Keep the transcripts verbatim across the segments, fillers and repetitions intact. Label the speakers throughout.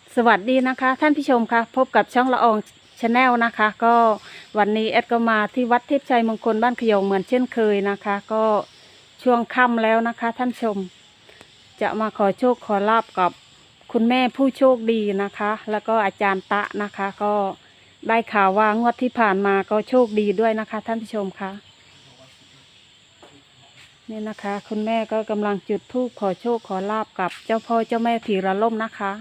Speaker 1: สวัสดีนะคะท่านผู้ชมคะพบกับช่องละอองชาแนลนะคะก็วันนี้แอดก็มาที่วัดเทพชัยมงคลบ้านขยงเหมือนเช่นเคยนะคะก็ช่วงค่ำแล้วนะคะท่านชมจะมาขอโชคขอลาบกับคุณแม่ผู้โชคดีนะคะแล้วก็อาจารย์ตะนะคะก็ได้ข่าวว่างวดที่ผ่านมาก็โชคดีด้วยนะคะท่านผู้ชมคะนี่นะคะคุณแม่ก็กำลังจุดธูปขอโชคขอลาบกับเจ้าพ่อเจ้าแม่ผีระล่มนะคะ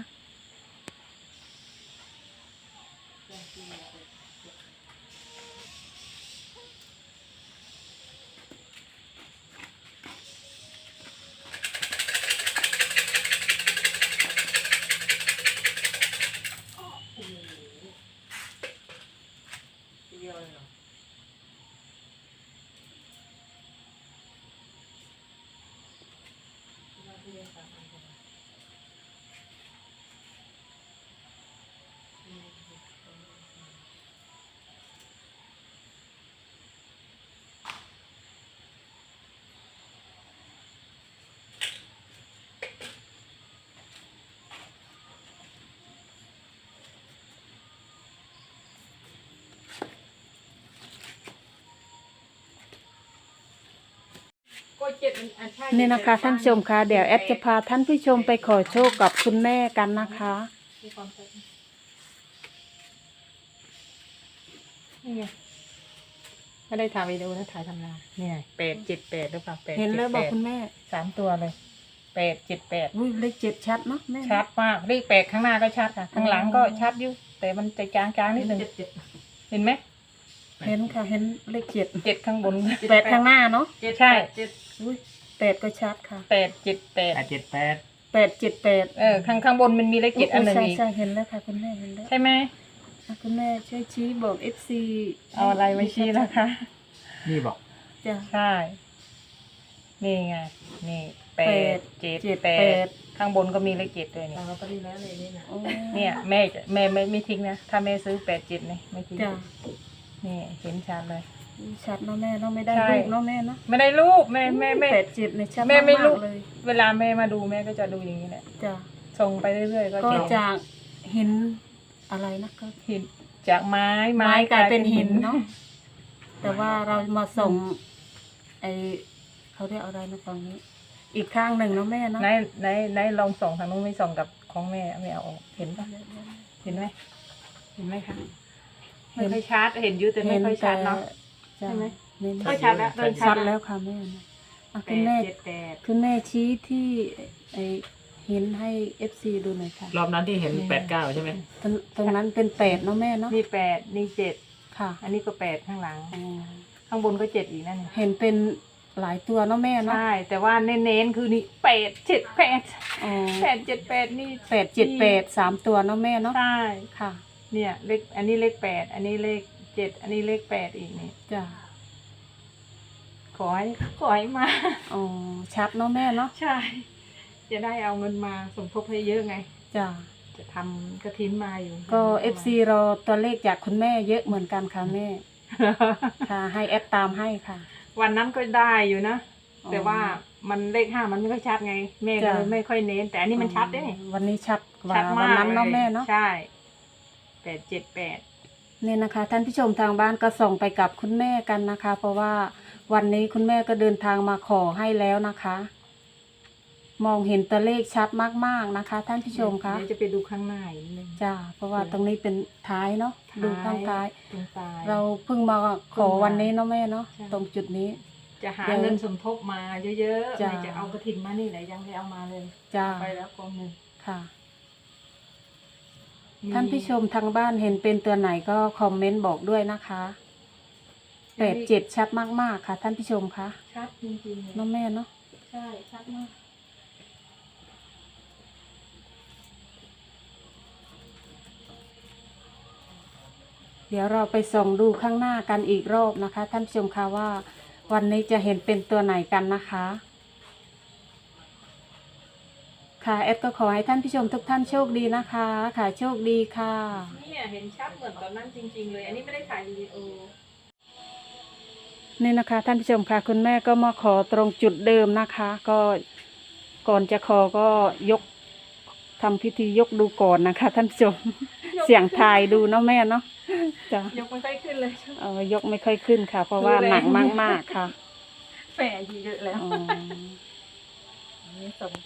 Speaker 1: นี่นะคะท่านผู้ชมคะเดี๋ยวแอดจะพาท่านผู้ชมไปขอโชคกับคุณแม่กันนะคะ
Speaker 2: นี่ไงไม่ได้ถ่ายวิดีโอนะถ่ายทำงานเนี่ยแปดเจ็ดแปดหรือเปล่าแปด
Speaker 1: เห็นแล้วบอกคุณแม่
Speaker 2: สามตัวเลยแปดเจ็ดแปด
Speaker 1: อุ้ยเลขเจ็ดชัดเนาะแม่
Speaker 2: ชัดมากเลขแปดข้างหน้าก็ชัดค่ะข้างหลังก็ชัดอยู่แต่มันจะจางๆนิดนึงเห็นไหม
Speaker 1: เห็นค่ะเห็นเลขเจ็ด
Speaker 2: เจ็ดข้างบน
Speaker 1: แปดข้างหน้าเนาะ
Speaker 2: ใช่
Speaker 1: อุ้ยแปดก็ชัดค่ะ
Speaker 2: แปดเจ็ดแปด
Speaker 3: แปดเจ็ดแปด
Speaker 1: แปดเจ็ดแปด
Speaker 2: เออข้างข้างบนมันมีเลขเจ็ดอันหนึ่ง
Speaker 1: ใช่
Speaker 2: อีก
Speaker 1: ใช่เห็นแล้วค่ะคุณแม่เห็นแล้ว
Speaker 2: ใช่ไหม
Speaker 1: อ่ะคุณแม่ช่วยชี้บอกเอฟซี
Speaker 2: เอาอะไรไว้ชี้นะคะ
Speaker 3: นี่บอก
Speaker 1: จ้ะ
Speaker 2: ใช่นี่ไงนี่แปดเจ็ด
Speaker 1: เจ็ด
Speaker 2: แป
Speaker 1: แป
Speaker 2: ด
Speaker 1: ด
Speaker 2: ข้างบนก็มีเลขเจ็ดด้วยนี่
Speaker 1: เราก็ดีแล้วเลยนี่นะ
Speaker 2: เนี่ยแม่จะแม่ไม่ไม่ทิ้งนะถ้าแม่ซื้อแปดเจ็ดนี่ไม่ทิ้ง
Speaker 1: จ้ะ
Speaker 2: นี่เห็นชัดเลย
Speaker 1: อุ้ยชัดเนาะแม่เนาะไม่ได้
Speaker 2: ใช่
Speaker 1: ลูกเนาะแม่เนาะ
Speaker 2: ไม่ได้รูปแม่แม่แม่
Speaker 1: แปดเจ็ดเนี่ยชัด
Speaker 2: แม่ไม่
Speaker 1: มาก
Speaker 2: รู้
Speaker 1: ๆเลย
Speaker 2: เวลาแม่มาดูแม่ก็จะดูอย่างนี้แหละ
Speaker 1: จ้ะ
Speaker 2: ส่งไปเรื่อยๆก็
Speaker 1: ก็
Speaker 2: จะ
Speaker 1: จากเห็นอะไรนะก็
Speaker 2: หินจากไม้
Speaker 1: ไม้กลายเป็นหินเนาะแต่ว่าเรามาส่งไอเขาเรียกอะไรนะตรงนี้ อีกข้างหนึ่งเนาะแม่เนาะ
Speaker 2: ไหนไหนไหนลองส่องทางนู้นไม่ส่องกับของแม่ไม่เอาออกเห็นปะเห็นไหมเห็นไหมคะไม่ค่อยชัดเห็นอยู่แต่ไม่ค่อยชัดเนาะ
Speaker 1: ใช่
Speaker 2: ใช่ไห
Speaker 1: ไห
Speaker 2: ม
Speaker 1: ม
Speaker 2: ก็ชัดแล้ว
Speaker 1: ชัดแล้วค่ะแม่นะอ่ะ
Speaker 2: แป
Speaker 1: คุณ
Speaker 2: ด
Speaker 1: แม่
Speaker 2: เจ็ดแปด
Speaker 1: คุณแม่ชี้ที่ไอเห็นให้เอฟซีดูหน่อยค่ะ
Speaker 3: รอบนั้นที่เห็นแปดเก้าใช่ไหม
Speaker 1: ตรงตรงนั้นเป็นแปดเนาะแม่เนาะ
Speaker 2: นี่แปดนี่เจ็ด
Speaker 1: ค่ะ
Speaker 2: อันนี้ก็แปดข้างหลัง
Speaker 1: อ๋อ
Speaker 2: ข้างบนก็เจ็ดอีกนั่น
Speaker 1: เห็นเป็นหลายตัวเนาะแม่เนาะ
Speaker 2: ใช่แต่ว่าเน้นๆคือนี่แปดเจ็ดแปด
Speaker 1: อ๋อ
Speaker 2: แปดเจ็ดแปดนี่
Speaker 1: แปดเจ็ดแปดสามตัวเนาะแม่เนาะ
Speaker 2: ใช่
Speaker 1: ค่ะ
Speaker 2: เนี่ยเลขอันนี้เลขแปดอันนี้เลขเจ็ดอันนี้เลขแปดอีกนี่
Speaker 1: จ้ะ
Speaker 2: ขอให้ขอให้มา
Speaker 1: อ๋อชัดเนาะแม่เนาะ
Speaker 2: ใช่ จะได้เอาเงินมาสมทบให้เยอะไง
Speaker 1: จ้ะ
Speaker 2: จะทำกระถินมาอยู่
Speaker 1: ก็เอฟซีรอตัวเลขจากคุณแม่เยอะเหมือนกันค่ะแม่ค่ะให้แอดตามให้ค่ะ
Speaker 2: วันนั้นก็ได้อยู่นะ
Speaker 1: อ๋อ
Speaker 2: แต่ว่ามันเลขห้ามันไม่ค่อยชัดไง แม่ก็
Speaker 1: จ้ะ
Speaker 2: เลยไม่ค่อยเน้น แต่อันนี้มันชัดเด้
Speaker 1: วันนี้ชัดกว่า
Speaker 2: ชัด
Speaker 1: วั
Speaker 2: มาน ก
Speaker 1: นั้นเนาะแม่เนาะ
Speaker 2: ใช่แปดเจ็ดแปด
Speaker 1: นี่นะคะ ท่านผู้ชมทางบ้านก็ส่งไปกับคุณแม่กันนะคะ เพราะว่าวันนี้คุณแม่ก็เดินทางมาขอให้แล้วนะคะ มองเห็นตัวเลขชัดมากๆนะคะ ท่านผู้ชมคะ
Speaker 2: เดี๋ยวจะไปดูข้างหน้าอีกนิดนึง
Speaker 1: จ้าเพราะว่าตรงนี้เป็นท้ายเนาะดูข้างท้าย
Speaker 2: ตรงปลาย
Speaker 1: เราเพิ่งมาขอวันนี้เนาะแม่เนาะ
Speaker 2: ใช่
Speaker 1: ตรงจุดนี้
Speaker 2: จะหา
Speaker 1: เดี๋ยว
Speaker 2: เงินสมทบมาเยอะๆ
Speaker 1: จ้ะ
Speaker 2: แม่จะเอากระถินมานี่แหละยังไม่เอามาเลย
Speaker 1: จ้า
Speaker 2: ไปแล้วกองหนึ่ง
Speaker 1: ค่ะ
Speaker 2: มี
Speaker 1: ท่านผู้ชมทางบ้านเห็นเป็นตัวไหนก็คอมเมนต์บอกด้วยนะคะแปดเจ็ดชัดมากๆค่ะ ท่านผู้ชมคะ
Speaker 2: ชัดจริงๆเลย
Speaker 1: เน้องแม่เนาะ
Speaker 2: ใช่ชัดมาก
Speaker 1: เดี๋ยวเราไปส่องดูข้างหน้ากันอีกรอบนะคะ ท่านผู้ชมคะว่า วันนี้จะเห็นเป็นตัวไหนกันนะคะ ค่ะแอดก็ขอให้ท่านผู้ชมทุกท่านโชคดีนะคะ ค่ะโชคดีค่ะ
Speaker 2: เนี่ยเห็นชัดเหมือนตอนนั้นจริงๆเลย อันนี้ไม่ได้ถ่ายวิดีโอ
Speaker 1: นี่นะคะ ท่านผู้ชมค่ะ คุณแม่ก็มาขอตรงจุดเดิมนะคะ ก็ก่อนจะขอก็ยกทำพิธียกดูก่อนนะคะ ท่านผู้ชม เสียงทายดูเนาะแม่เนาะจ้ะ
Speaker 2: ยกไม่ค่อยขึ้นเลย
Speaker 1: เออยกไม่ค่อยขึ้นค่ะ เพราะว่า
Speaker 2: ดูแล
Speaker 1: หนักมากๆค่ะ
Speaker 2: แฝงเยอะแล้ว
Speaker 1: อ๋อ
Speaker 2: นี่ส่ง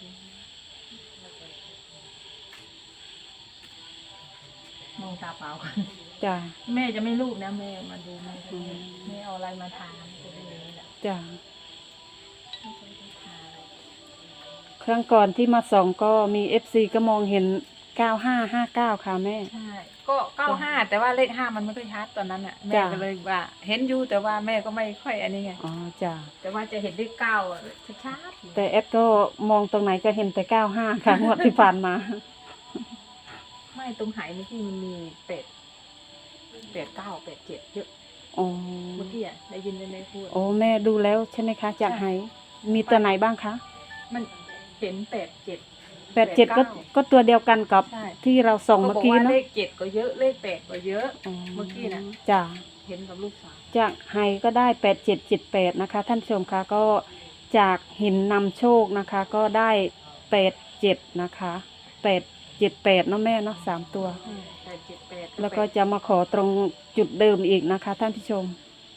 Speaker 2: มองตาเปล่าก่อน
Speaker 1: จ้ะ
Speaker 2: แม่จะไม่รูปนะแม่มาดูแม่จะ
Speaker 1: อืม
Speaker 2: แม่เอาอะไรมาทานจะได้เลยแหละ
Speaker 1: จ้ะ
Speaker 2: ไม่เคยได้ทาน
Speaker 1: ครั้งก่อนที่มาส่องก็มีเอฟซีก็มองเห็นเก้าห้าห้าเก้าค่ะแม่
Speaker 2: ใช่ก็เก้าห้าแต่ว่าเลขห้ามันไม่ค่อยชัดตอนนั้นอ่ะแม่
Speaker 1: จ้ะ
Speaker 2: ก็เลยว่า เห็นอยู่แต่ว่าแม่ก็ไม่ค่อยอันนี้ไง
Speaker 1: อ๋อจ้ะ
Speaker 2: แต่ว่าจะเห็นเลขเก้าอะชัดๆ
Speaker 1: แต่เอฟก็มองตรงไหนก็เห็นแต่เก้าห้าค่ะ งวดที่ผ่านมา
Speaker 2: ไม่ตรงไหเมื่อกี้มันมีเป็ดเป็ดเก้าเป็ดเจ็ดเยอะ
Speaker 1: อ๋อ
Speaker 2: เมื่อกี้อ่ะได้ยินแม่พูด
Speaker 1: โอ้แม่ดูแล้วใช่ไหมคะจาก
Speaker 2: ใช่
Speaker 1: ไหมีตัวไหนบ้างคะ
Speaker 2: มันเห็นเป็ดเจ็ด
Speaker 1: แปดเจ็ดก็
Speaker 2: เก้า
Speaker 1: ก็ตัวเดียวกันกับ
Speaker 2: ใช่
Speaker 1: ที่เราส่อง
Speaker 2: ก็
Speaker 1: เมื่
Speaker 2: บ
Speaker 1: อ
Speaker 2: อก
Speaker 1: กี้
Speaker 2: ว่า
Speaker 1: เนาะ
Speaker 2: เลขเจ็ดก็เยอะเลขแปดก็เยอะ
Speaker 1: อ๋อ
Speaker 2: เมื่อกี้น่ะ
Speaker 1: จ้ะ
Speaker 2: เห็นกับลูกสาว
Speaker 1: จากไฮก็ได้แปดเจ็ดเจ็ดแปดนะคะ ท่านผู้ชมคะก็จากหินนำโชคนะคะ ก็ได้แปดเจ็ดนะคะแปดเจ็ดแปดเนาะแม่เนาะสามตัว
Speaker 2: อืมแปดเจ็ดแปด
Speaker 1: แล้วก็จะมาขอตรงจุดเดิมอีกนะคะ ท่านผู้ชม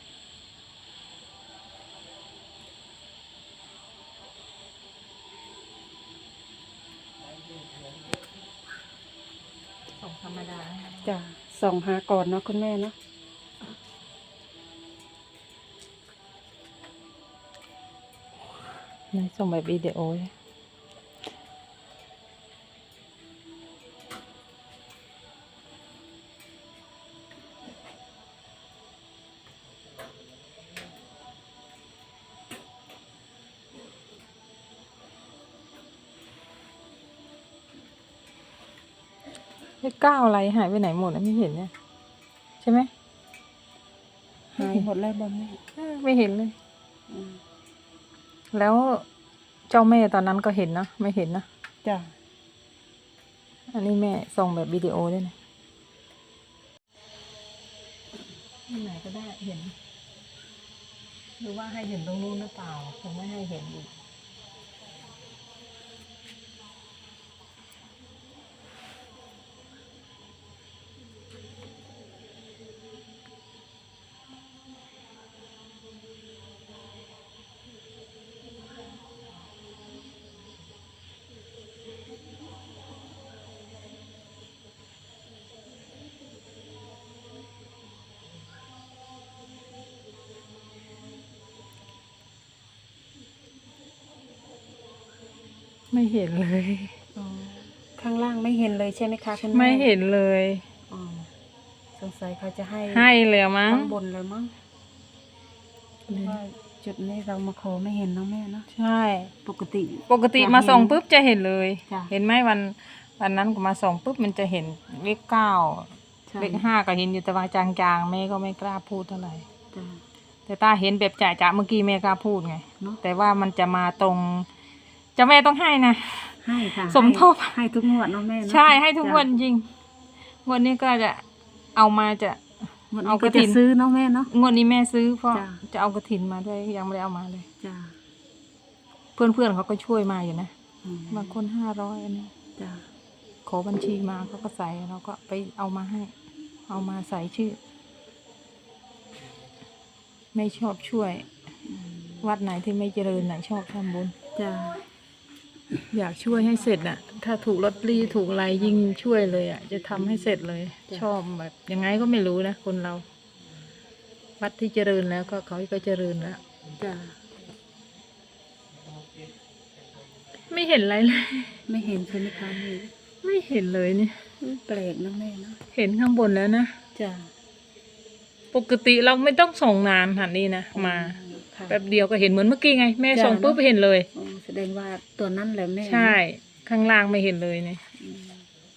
Speaker 2: ส่งธรรมดา
Speaker 1: จะส่องหาก่อนเนาะคุณแม่เนาะ
Speaker 2: ในส่งแบบวิดีโอเลยเลขเก้าอะไรหายไปไหนหมดอะไม่เห็นเนี่ยใช่ไหม
Speaker 1: หายหมดแล้วบอมแม่
Speaker 2: เออไม่เห็นเลย
Speaker 1: อืม
Speaker 2: แล้วเจ้าแม่ตอนนั้นก็เห็นนะไม่เห็นนะ
Speaker 1: จ้ะ
Speaker 2: อันนี้แม่ส่งแบบวิดีโอด้วยนะที่ไหนก็ได้เห็น หรือว่าให้เห็นตรงนู้นหรือเปล่าคงไม่ให้เห็นอีกไม่เห็นเลย
Speaker 1: อ๋อข้างล่างไม่เห็นเลยใช่ไหมคะคุณแม่
Speaker 2: ไม่เห็นเลย
Speaker 1: อ๋อสงสัยเขาจะให้
Speaker 2: ให้เลยมั้ง
Speaker 1: ข้างบนเลยมั้งเพราะว่าจุดนี้เรามาขอไม่เห็นเนาะแม่เนาะ
Speaker 2: ใช่
Speaker 1: ปกติ
Speaker 2: ปกติมาส่องปุ๊บจะเห็นเลย
Speaker 1: จ้ะ
Speaker 2: เห็นไหมวันวันนั้นก็มาส่องปุ๊บมันจะเห็นเลขเก้า
Speaker 1: ใช่
Speaker 2: เลขห้าก็เห็นอยู่แต่ว่าจางๆแม่ก็ไม่กล้าพูดเท่าไหร่
Speaker 1: จ้ะ
Speaker 2: แต่ตาเห็นแบบจ่าๆเมื่อกี้แม่กล้าพูดไง
Speaker 1: เนาะ
Speaker 2: แต่ว่ามันจะมาตรงเจะแม่ต้องให้นะ
Speaker 1: ให้ค่ะ
Speaker 2: สมทบ
Speaker 1: ให้ให้ทุกงวดเนาะแม่เนาะ
Speaker 2: ใช่ให้ทุก
Speaker 1: จ้ะ
Speaker 2: วันจริงงวดนี้ก็จะเอามาจะ
Speaker 1: งวด
Speaker 2: เอา
Speaker 1: นี้
Speaker 2: ก
Speaker 1: ก็
Speaker 2: ระถิ่
Speaker 1: จะ
Speaker 2: น
Speaker 1: ซื้อเนาะแม่เนาะ
Speaker 2: งวดนี้แม่ซื้อเพราะ
Speaker 1: จ้ะ
Speaker 2: จะเอากระถินมาด้วยยังไม่ได้เอามาเลย
Speaker 1: จ้ะ
Speaker 2: เพื่อนๆเขาก็ช่วยมาอยู่นะ
Speaker 1: อืม
Speaker 2: บางคนห้าร้อยอันนี้
Speaker 1: จ้ะ
Speaker 2: ขอบัญชีมาเขาก็ใส่เราก็ไปเอามาให้ เอามาใส่ชื่อ ไม่ชอบช่วย
Speaker 1: อืม
Speaker 2: วัดไหนที่ไม่เจริญไหนชอบทำบุญ
Speaker 1: จ้ะ
Speaker 2: อยากช่วยให้เสร็จน่ะ ถ้าถูกลอตเตอรี่ถูกอะไรยิ่งช่วยเลยอ่ะ จะทำให้เสร็จเลย ชอบแบบยังไงก็ไม่รู้นะคนเรา วัดที่เจริญแล้วก็เขาก็เจริญแล้ว
Speaker 1: จ้ะ
Speaker 2: ไม่เห็นอะไรเลย
Speaker 1: ไม่เห็นใช่ไหมคะนี่
Speaker 2: ไม่เห็นเลยเนี่ย
Speaker 1: แปลกเนาะแม่เนาะ
Speaker 2: เห็นข้างบนแล้วนะ
Speaker 1: จ้ะ
Speaker 2: ปกติเราไม่ต้องส่งนานหันนี้นะมา
Speaker 1: ค่ะ
Speaker 2: แป๊บเดียวก็เห็นเหมือนเมื่อกี้ไง แม่
Speaker 1: จ้ะ
Speaker 2: ส่งปุ๊บ
Speaker 1: เนอะ
Speaker 2: เห็นเลย
Speaker 1: อ๋อแสดงว่าตัวนั้นแหละแม่
Speaker 2: ใช่ ข้างล่างไม่เห็นเลยเนี่ย
Speaker 1: อืม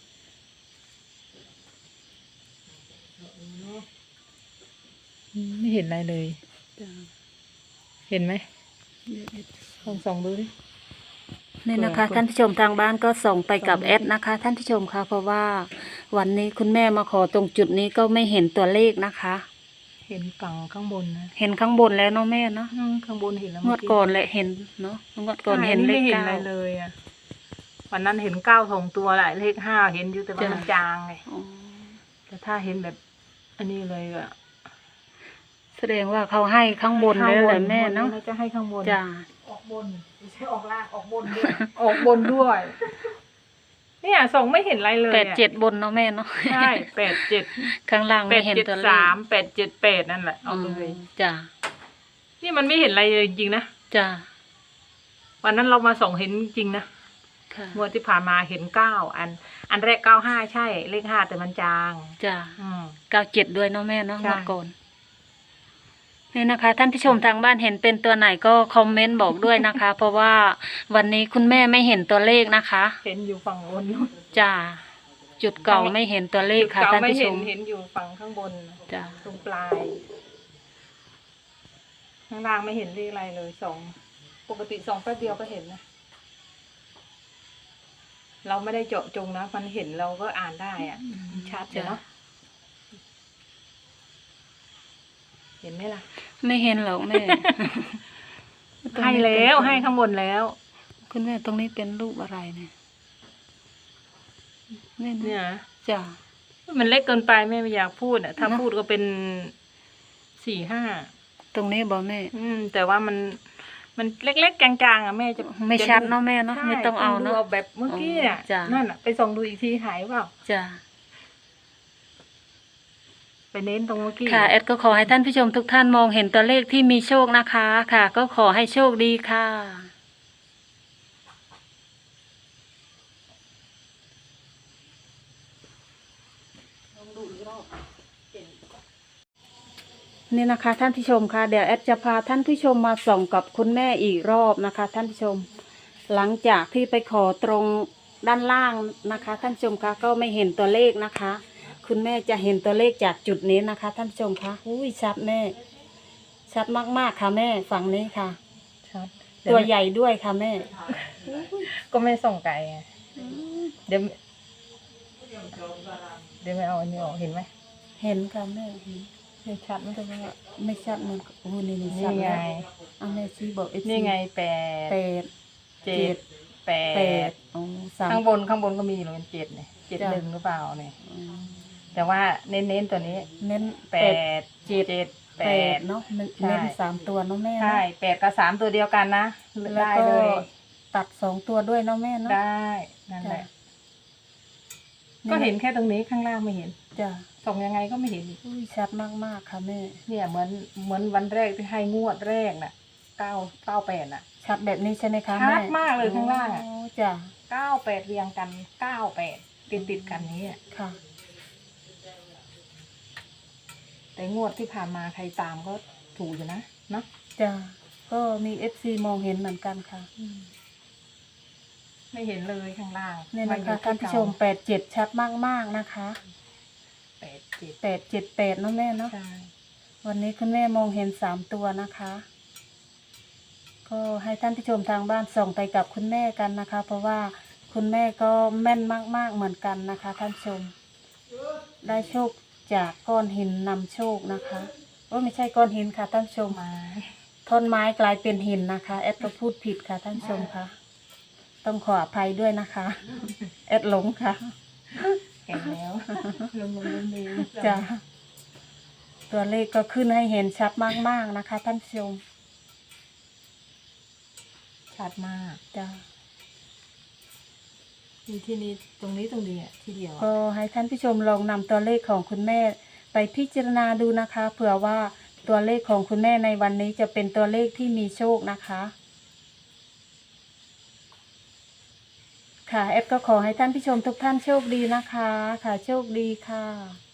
Speaker 2: ไม่เห็นอะไรเลย
Speaker 1: จ้ะ
Speaker 2: เห็นไหม
Speaker 1: เดี๋ยวเดี๋ยว
Speaker 2: ลองส่องดูดิ
Speaker 1: นี่นะคะ
Speaker 2: เปิด
Speaker 1: ท่านผู้ชมทางบ้านก็ส่งไปกับ
Speaker 2: ส่ง
Speaker 1: แอดนะคะ ท่านผู้ชมคะเพราะว่าวันนี้คุณแม่มาขอตรงจุดนี้ก็ไม่เห็นตัวเลขนะคะ
Speaker 2: เห็นฝั่งข้างบนนะ
Speaker 1: เห็นข้างบนแล้วเนาะแม่เนาะ
Speaker 2: อืมข้างบนเห็นแล้ว
Speaker 1: งวดก่อนแหละเห็นเนาะงวดก่อนเห็นเลข
Speaker 2: ไม่เห็น
Speaker 1: เก้า
Speaker 2: อะไรเลยอ่ะวันนั้นเห็นเก้าสองตัวแหละเลขห้าเห็นอยู่แต่ว่ามันจางไง
Speaker 1: อ๋อ
Speaker 2: แต่ถ้าเห็นแบบ อันนี้เลยอะ
Speaker 1: แสดงว่าเขาให้ข้างบนเลยแหละแม่เนาะ
Speaker 2: น่าจะให้ข้างบน
Speaker 1: จ้า
Speaker 2: ออกบนไม่ใช่ออกล่างออกบนด้วย ออกบนด้วย เนี่ยส่งไม่เห็นอะไรเลย
Speaker 1: แปด
Speaker 2: อะ
Speaker 1: เจ็ดบนเนาะแม่เนาะ
Speaker 2: ใช่แปดเจ็ด
Speaker 1: ข้างล่าง
Speaker 2: แป
Speaker 1: ไม่
Speaker 2: ด
Speaker 1: เห็น
Speaker 2: เจ็ด
Speaker 1: ตัวเลข
Speaker 2: สามแปดเจ็ดแปดนั่นแหละเอาเลย
Speaker 1: จ้า
Speaker 2: นี่มันไม่เห็นอะไรเลยจริงๆนะ
Speaker 1: จ้า
Speaker 2: วันนั้นเรามาส่องเห็นจริงๆนะ
Speaker 1: ค่ะ
Speaker 2: งวดที่ผ่านมาเห็นเก้าอัน อันแรกเก้าห้าใช่ เลขห้าแต่มันจาง
Speaker 1: จ้า
Speaker 2: อืม
Speaker 1: เก้าเจ็ดด้วยเนาะแม่เนาะ
Speaker 2: ใช่
Speaker 1: เมื่อก่อนนี่นะคะ ท่านผู้ชมทางบ้านเห็นเป็นตัวไหนก็คอมเมนต์บอกด้วยนะคะ เพราะว่าวันนี้คุณแม่ไม่เห็นตัวเลขนะคะ
Speaker 2: เห็นอยู่ฝั่งบนนู่น
Speaker 1: จ้าจุดเก่าไม่เห็นตัวเลขค่ะ
Speaker 2: จุด
Speaker 1: ท่าน
Speaker 2: เก่าไม่
Speaker 1: ผู้ช
Speaker 2: เห็น
Speaker 1: ม
Speaker 2: เห็นอยู่ฝั่งข้างบน
Speaker 1: จ้า
Speaker 2: ตรงปลาย ข้างล่างไม่เห็นเลขอะไรเลยสองปกติสองแป๊บเดียวก็เห็นนะ เราไม่ได้เจาะจงนะ มันเห็นเราก็อ่านได้อะมันชัดเลยเนาะ เห็นไหมล่ะ
Speaker 1: ไม่เห็นหรอกแม่
Speaker 2: ให้แล้วให้ข้างบนแล้ว
Speaker 1: คุณแม่ตรงนี้เป็นรูปอะไรเนี่ยนี่
Speaker 2: เนี่ย
Speaker 1: นะ
Speaker 2: นะ
Speaker 1: จ้า
Speaker 2: มันเล็กเกินไปแม่ไม่อยากพูดอ่ะ ถ้า
Speaker 1: เนอะ
Speaker 2: พูดก็เป็นสี่ห้า
Speaker 1: ตรงนี้บอกแม่
Speaker 2: อืม แต่ว่ามัน มันเล็กๆกลางๆอ่ะแม่จะ
Speaker 1: ไม่ชัดเนาะแม่เนาะ
Speaker 2: ใช่
Speaker 1: ไม่ต้องเอาเนาะ
Speaker 2: ดูแบบเมื่อกี้อ่ะ
Speaker 1: อ๋อจ้ะ
Speaker 2: นั่นอ่ะไปส่องดูอีกทีหายเปล่า
Speaker 1: จ้า
Speaker 2: ไปเน้นตรงเมื่อกี้
Speaker 1: ค่ะแอดก็ขอให้ท่านผู้ชมทุกท่านมองเห็นตัวเลขที่มีโชคนะคะ ค่ะ ก็ขอให้โชคดีค่ะ นี่นะคะ ท่านผู้ชมค่ะเดี๋ยวแอดจะพาท่านผู้ชมมาส่องกับคุณแม่อีกรอบนะคะ ท่านผู้ชม หลังจากที่ไปขอตรงด้านล่างนะคะ ท่านผู้ชมคะก็ไม่เห็นตัวเลขนะคะ คุณแม่จะเห็นตัวเลขจากจุดนี้นะคะ ท่านผู้ชมคะอุ้ยชัดแม่ ชัดมากๆค่ะแม่ฝั่งนี้ค่ะ
Speaker 2: ชัด
Speaker 1: ตัวใหญ่ด้วยค่ะแม่
Speaker 2: ก็ไม่ส่องไกลไงเดี๋ยวเดี๋ยวไม่เอาอันนี้ออกเห็นไหม
Speaker 1: เห็นค่ะแม่เห็น
Speaker 2: ไม่ชัดไม่ใช่ว่า
Speaker 1: ไม่ชัดมันโอ้นี่นี่
Speaker 2: นี่
Speaker 1: ชัด
Speaker 2: ไง
Speaker 1: แล้วเอาแม่ชี้บอกเอฟ
Speaker 2: นี่ไงแปด
Speaker 1: แปด
Speaker 2: เจ็ดแป
Speaker 1: แป
Speaker 2: ด
Speaker 1: ดอ๋อสาม
Speaker 2: ข้างบนข้างบนก็มีอยู่เป็นเจ็ดเนี่ยเจ็ด
Speaker 1: จ้ะ
Speaker 2: หนึ่งหรือเปล่าเนี่ย
Speaker 1: อืม
Speaker 2: แต่ว่าเน้นเน้นๆตัวนี้
Speaker 1: เน้น
Speaker 2: แป
Speaker 1: แปด
Speaker 2: ดเจ็ดแป
Speaker 1: แป
Speaker 2: ด
Speaker 1: ดเนาะมัน
Speaker 2: ใช่
Speaker 1: เน้นสามตัวเนาะแม่เนาะ
Speaker 2: ใช่แปดกับสามตัวเดียวกันนะ
Speaker 1: แล้ว
Speaker 2: ได้
Speaker 1: ก็
Speaker 2: เลย
Speaker 1: ตัดสองตัวด้วยเนาะแม่เนาะ
Speaker 2: ได้นั่นแหละ
Speaker 1: จ้ะ
Speaker 2: ก็เห็นแค่ตรงนี้ข้างล่างไม่เห็น
Speaker 1: จ้ะ
Speaker 2: ส่องยังไงก็ไม่เห็นอีก
Speaker 1: อุ้ยชัดมากๆค่ะแม่
Speaker 2: เนี่ยเหมือนเหมือนวันแรกที่ให้งวดแรกน่ะเก้าเก้าแปดน่ะ
Speaker 1: ชัดแบบนี้ใช่ไหมคะ
Speaker 2: ชั
Speaker 1: แม่
Speaker 2: ดมากเลยข้างล่างอะ
Speaker 1: โจ้ะ
Speaker 2: เก้าแปดเรียงกันเก้าแปดติดติดๆกันนี้อะ
Speaker 1: ค่ะ
Speaker 2: แต่งวดที่ผ่านมาใครตามก็ถูกอยู่นะเนาะ
Speaker 1: จ้ะก็มีเอฟซีมองเห็นเหมือนกันค่ะ
Speaker 2: ไม่เห็นเลยข้างล่าง
Speaker 1: เนี่ย
Speaker 2: ม
Speaker 1: นะ
Speaker 2: อยู่
Speaker 1: คะท่านผู้ชมแปดเจ็ดชัดมากๆนะคะ
Speaker 2: แปดเจ็ด
Speaker 1: แปดเจ็ดแปดเนาะแม่เนาะ
Speaker 2: ใช่
Speaker 1: วันนี้คุณแม่มองเห็นสามตัวนะคะ ก็ให้ท่านผู้ชมทางบ้านส่งไปกับคุณแม่กันนะคะ เพราะว่าคุณแม่ก็แม่นมากๆเหมือนกันนะคะ ท่านผู้ชม ได้โชคจากก้อนหินนำโชคนะคะโอ้ไม่ใช่ก้อนหินค่ะท่านผู้ชม
Speaker 2: มา
Speaker 1: ท่อนไม้กลายเป็นหินนะคะแอดก็พูดผิดค่ะท่านผู้ชมค่ะ ต้องขออภัยด้วยนะคะแอดหลงค่ะ
Speaker 2: แก่แล้วลงลงลงเลย
Speaker 1: จ้ะตัวเลขก็ขึ้นให้เห็นชัดมากๆนะคะ ท่านผู้ชม
Speaker 2: ชัดมาก
Speaker 1: จ้ะ
Speaker 2: มีที่นี้ตรงนี้ตรงนี้อ่ะที่เดียว
Speaker 1: ก็
Speaker 2: อะ
Speaker 1: ให้ท่านผู้ชมลองนำตัวเลขของคุณแม่ไปพิจารณาดูนะคะเผื่อว่าตัวเลขของคุณแม่ในวันนี้จะเป็นตัวเลขที่มีโชคนะคะ ค่ะแอดก็ขอให้ท่านผู้ชมทุกท่านโชคดีนะคะ ค่ะโชคดีค่ะ